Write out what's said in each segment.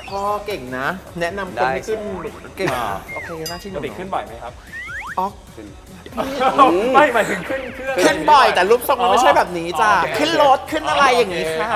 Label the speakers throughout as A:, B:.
A: พ่อเก่งนะ แนะนำคนให้ขึ้นเก่งโอเคน่าชื่นช
B: ปก
A: ม
B: ติขึ้นบ่อยไหมครับ
A: อ๋อ
B: ไม่หมายถึงขึ้นเครื่อง
A: ขึ้นบ่อยแต่รูปทรงมันไม่ใช่แบบนี้จ้ะ
B: โอเค
A: ขึ้นรถขึ้นอะไรอย่างนี้ค่ะ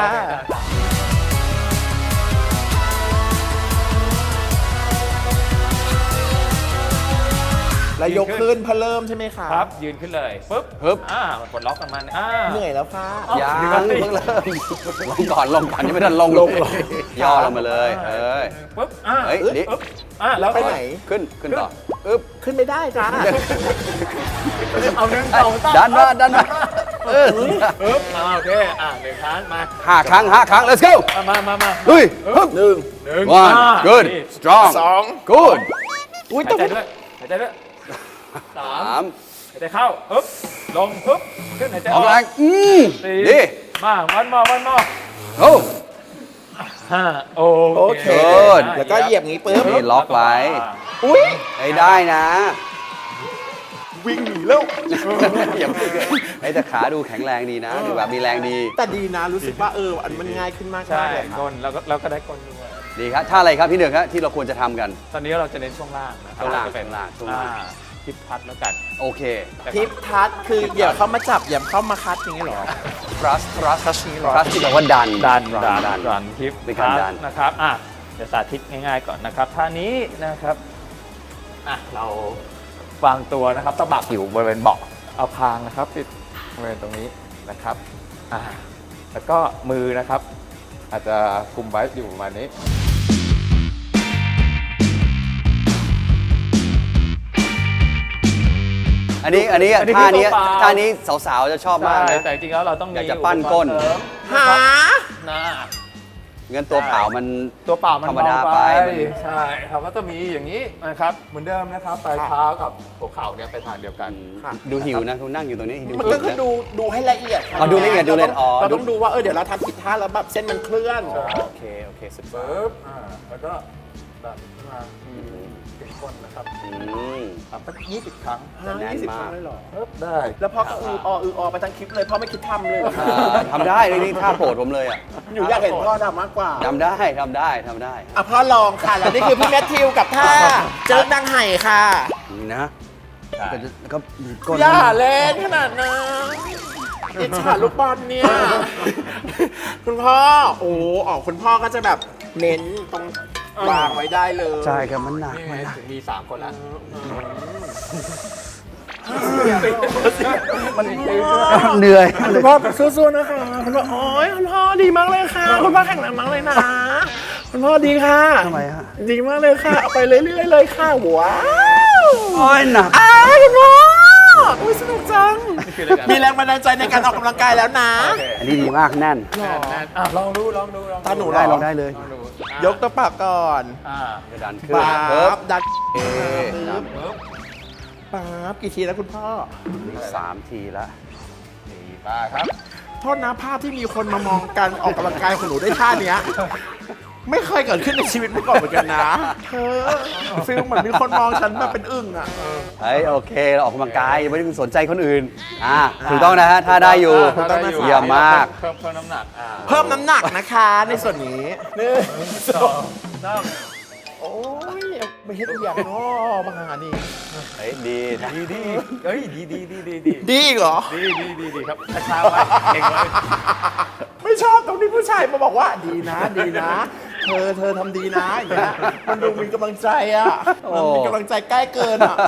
A: แล้วยกขึ้นเพื่อเริ่มใช่ไหมคะ
B: ครับยืนขึ้นเลยปึ๊บ
C: ปึ๊บ
B: กดล็อกกับมัน
A: เหนื่อยแล้วค่ะ
C: ยัง
B: เดี๋ยว
C: เพิ่ง
B: ก่อนสิ
C: เริ่มลงก่อนยังไม่ทันลงย่อลงมาเลย
B: ปึ๊บ
C: เฮ้ยนี่
B: ปึ๊บแล้ว
A: ไปไหน
C: ขึ้นต่ออึ๊บ
A: ขึ้นไม่ได้จ้า
B: เอาหนึ่งเอาตั้ง
C: ดันมา
B: ปึ๊บโอเคหนึ่งครั้งมา
C: 5 ครั้ง let's go
B: มา
C: ลุยฮึบ
B: หนึ่ง
C: one good
B: นี่
C: strong good
A: อุ้ย
B: หายใจด้วยสาม
C: 3
B: หายใจเข้าปึ๊บลงปึ๊บขึ้นหายใจ
C: อ
B: อ
C: อ
B: อก ก
C: แรง
B: สี่
C: ดี
B: มาวันมอ
C: โอ้
B: 5โอเค
C: Good
A: แล้วก็เหยียบงี้ปุ๊บ
C: นี่ล็อกไว้
A: อุ้ย
C: ให้ได้นะ
A: วิ่งหนีแล้ว
C: อย่าเพิ่งไอ้แต่ขาดูแข็งแรงดีนะดูแบบมีแรงดี
A: แต่ดีนะรู้สึกว่าอันมันง่ายขึ้นมาก
B: ใช่
A: เลย
B: กลแล้วก็ได้กลด้วย
C: ดีครับท่าอะไรครับพี่หนึ่งครับที่เราควรจะทำกัน
B: ตอนนี้เราจะเน้นช่วงล่างนะ
C: ช่วงล่าง
B: จะเป็น
C: ช่วงล่าง
B: ทิปพัดแล้วกัน
C: โอเค
A: ทิปทัชคืออย่าเข้ามาจับอย่าเข้ามาคัดอย่างนี้เหรอ
C: thrust
A: ทัชนี้เหรอ
C: thrust ที่แปลว่าดัน
B: ดันทิป
C: เป็นการดัน
B: นะครับเดี๋ยวสาธิตง่ายๆก่อนนะครับท่านี้นะครับเราวางตัวนะครับตะบักอยู่บริเวณเบาะเอาคางนะครับติดบริเวณตรงนี้นะครับแล้วก็มือนะครับ อาจจะคุมไว้อยู่ประมาณนี้
C: อันนี้
B: อันนี้
C: ท่านี้
B: คือตัวเปล่า
C: ท่านี้สาวๆจะชอบมาก
B: ใช่
C: นะ
B: แต่จริงๆแล้วเราต้องมี
C: อยากจะปั้นก้น
B: อุปกรณ์เสริม
A: หา
B: นะ
C: งั้นตัวเปล่ามัน
B: ตัวเปล่ามัน
C: ธรรมดา
B: เบ
C: ไป
B: ใช่ครับก็จะมีอย่างนี้นะครับเหมือนเดิมนะครับปลายเท้ากับหัวเข่าเนี่ยไปทางเดียวกัน
C: ดูหิวนะคุณนั่งอยู่ตรงนี้ดู
A: มัน
C: หิ
A: ก็
C: ว
A: คือ
C: นะ
A: ดูให้ละเอียด
C: อ๋อดูละเอียดดูละเอียดอ๋อ
A: เราต้องดูว่าเดี๋ยวเราทำผิดท่าแล้วแบบเส้นมันเคลื่อน
C: โอเคสุด
B: ปึ๊บแล้วก็ดันขึ้นมาถึงก้นนะครับ ทำสัก20 ครั้ง
C: แน่น
A: 20
C: มาก
A: ครั้งเลยเหรอ
B: ปึ๊บได้
A: แล้วพ่อก็อืออไปทั้งคลิปเลยพ่อไม่คิดทำเลยเหรอ
C: ทำได้เลยนี่ท่าโปรดผมเลยอ่ะ
A: หนูอยากเห็นพ่อทำมากกว่า
C: ทำได้
A: อ่ะพ่อลองค่ะ แล้วนี่คือพี่แมทธิวกับท่าเจิร์กนางไห่ค่ะ
C: นี่นะก็ก้น
A: อย่าเล่นขนาดนั้นอิจฉาลูกบอลเนี่ย คุณพ่อ คุณพ่อก็จะแบบเน้นตรงวางไว้ได้เลย
C: ใช่ครับมันหนัก
B: นี่
C: มาก
B: มี3 คนละ
C: มันเหนื่อย
A: คุณพ่อสู้ๆนะคะคุณพ่อคุณพ่อดีมากเลยค่ะ คุณพ่อแข็งแรงมากเลยนะ คุณพ่อดีค่ะ
C: ทำไมฮะ
A: ดีมากเลยค่ะ เอาไปเรื่อยๆเลยค่ะว้าว
C: โอ้ยหนัก
A: คุณพ่ออุ๊ยสนุกจัง มีแรงบันดาลใจในการออกกำลังกายแล้วนะ
C: อันนี้ดีมากแน่น
B: ลองดู
A: ตาหนู
C: ได้ลองได้เลย
A: ยกตัวปากก่อน
C: กระดานขึ้น
A: ป๊า
C: ปึ๊บบ
A: ดัน
C: ปึ๊บ
A: ป๊าบกี่ทีแล้วคุณพ่อ
C: 3 ทีละ
B: ดีมากครับ
A: โทษนะภาพที่มีคนมามองการออกกำลังกายของหนูได้ท่าเนี้ย ไม่เคยเกิดขึ้นในชีวิตมาก่อนเหมือนกันนะเธอฟีลเหมือนมีคนมองฉันแบบเป็นอึ่งอ่ะ
C: เฮ้ยโอเคเราออกกำลังกายไม่ได้สนใจคนอื่นถูกต้องนะฮะถ้าได้อยู่ เยี่ยมมาก
B: เพิ่มน้ำหนัก
A: เพิ่มน้ำหนักนะคะในส่วนนี้
B: 1 2
A: โอ้ยเอาไปเฮ็ดอีกอย่างเนาะมาหานี่
C: เฮ้ยดีนะ
B: 3ดีเฮ้ยดี
A: ดีอีกเหรอ
B: ดีครับช้าๆไว้เก่งไว้
A: ไม่ชอบตรงที่ผู้ชายมาบอกว่าดีนะ เธอทำดีนะอย่างเงี้ยมันดูมีกำลังใจอ่ะมันมีกำลังใจใกล้เกินอ่ะ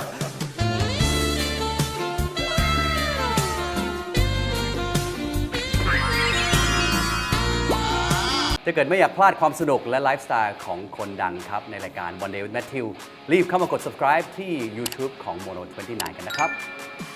C: ถ้าเกิดไม่อยากพลาดความสนุกและไลฟ์สไตล์ของคนดังครับ ในรายการ One Day with Matthew รีบเข้ามากด subscribe ที่ YouTube ของ Mono 29 กันนะครับ